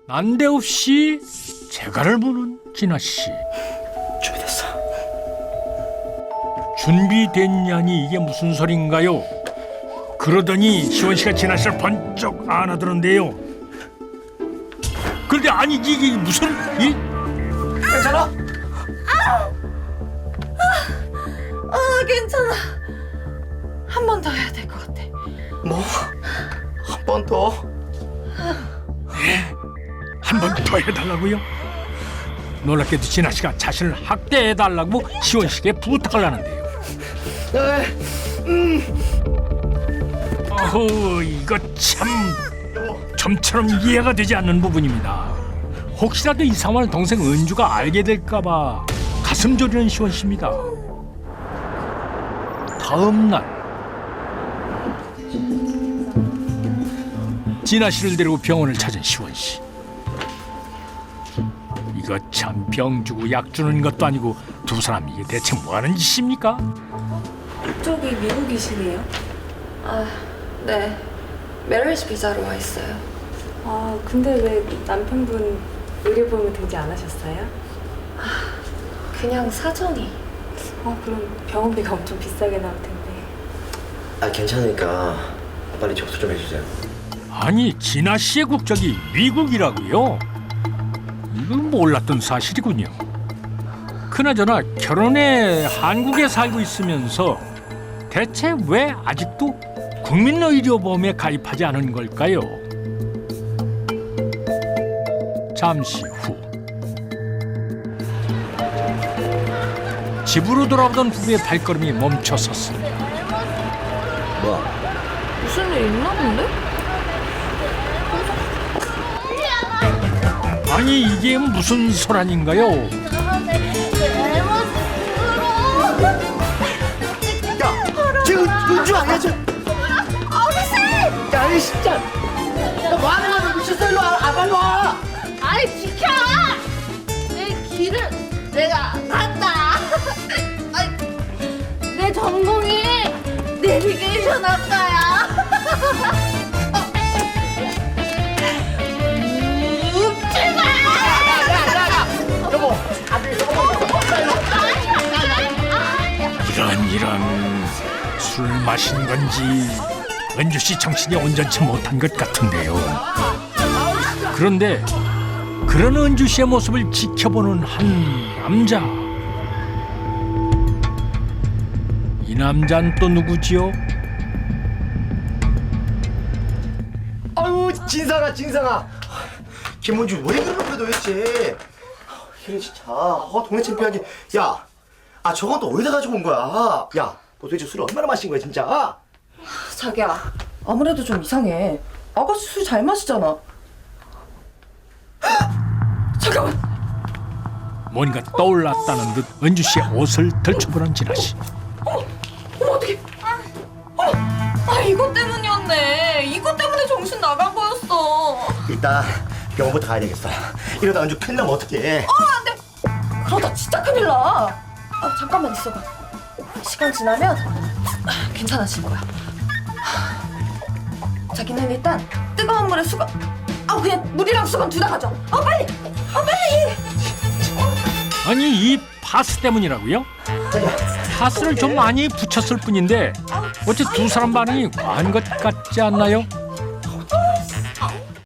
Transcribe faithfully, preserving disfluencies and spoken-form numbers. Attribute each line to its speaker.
Speaker 1: 난데없이 재갈을 보는 진아 씨.
Speaker 2: 준비됐어.
Speaker 1: 준비됐냐니 이게 무슨 소린가요? 그러더니 시원 씨가 진아 씨를 번쩍 안아드는데요. 그런데 아니 이게 무슨 이?
Speaker 2: 괜찮아?
Speaker 3: 아, 괜찮아. 한 번 더 해야 될 것 같아.
Speaker 2: 뭐? 한 번 더?
Speaker 1: 한 번 더 해달라고요? 놀랍게도 진아 씨가 자신을 학대해달라고 시원 씨에게 부탁을 하는데요. 어허, 이거 참 좀처럼 이해가 되지 않는 부분입니다. 혹시라도 이 상황을 동생 은주가 알게 될까봐 가슴 저리는 시원 씨입니다. 다음 날 진아 씨를 데리고 병원을 찾은 시원 씨. 이거 참 병 주고 약 주는 것도 아니고 두 사람 이게 대체 뭐 하는 짓입니까?
Speaker 3: 이쪽이 미국이시네요? 아, 네. 메리지 비자로 와 있어요.
Speaker 4: 아, 근데 왜 남편분 의료보험을 등재 안 하셨어요?
Speaker 3: 그냥 사정이.
Speaker 4: 아, 그럼 병원비가 엄청 비싸게 나올 텐데.
Speaker 2: 아 괜찮으니까 빨리 접수 좀 해주세요.
Speaker 1: 아니 진아 씨의 국적이 미국이라고요? 이건 몰랐던 사실이군요. 그나저나 결혼해 한국에 살고 있으면서 대체 왜 아직도 국민의료보험에 가입하지 않은 걸까요? 잠시 후 집으로 돌아오던 부부의 발걸음이 멈춰섰습니다.
Speaker 2: 뭐야?
Speaker 3: 무슨 일 있나 본데?
Speaker 1: 아니 이게 무슨 소란인가요?
Speaker 2: 야! 쟤 은, 은주 아니야 쟤? 어르신! 야 이 진짜! 야 뭐하는 거야? 미쳤어 일로 와! 아 빨리 와!
Speaker 5: 아이 비켜! 내 길을 내가 간다. 아이, 내 전공이 내비게이션 학과야. 음, 출발!
Speaker 2: 여보! 아들 여보!
Speaker 1: 이런 이런 술 마신 건지 은주 씨 정신이 온전치 못한 것 같은데요. 그런데 그런 은주 씨의 모습을 지켜보는 한 남자. 이 남자는 또 누구지요?
Speaker 2: 아유 진상아 진상아! 김은주 왜 그러는 거야 도대체? 이래 진짜 어, 동네 창피하게. 야! 아 저건 또 어디다 가지고 온 거야? 야! 너 도대체 술을 얼마나 마신 거야 진짜?
Speaker 3: 자기야, 아무래도 좀 이상해. 아가씨 술 잘 마시잖아. 잠깐만.
Speaker 1: 뭔가 떠올랐다는 듯 은주 씨의 옷을 덜쳐보는 진아 씨.
Speaker 3: 어머, 어떡해. 어머, 아, 이것 때문이었네. 이것 때문에 정신 나간 거였어.
Speaker 2: 일단 병원부터 가야 되겠어. 이러다 은주 큰일 나면 어떡해?
Speaker 3: 어, 안 돼. 그러다 진짜 큰일 나. 아, 잠깐만 있어봐. 시간 지나면 아, 괜찮아질 거야. 자기는 일단 뜨거운 물에 수건, 아 그냥 물이랑 수건 둘 다 가져. 어 빨리, 어 빨리.
Speaker 1: 아니 이 파스 때문이라고요? 파스를 좀 많이 붙였을 뿐인데 어째 두 사람 반응이 과한 것 같지 않나요?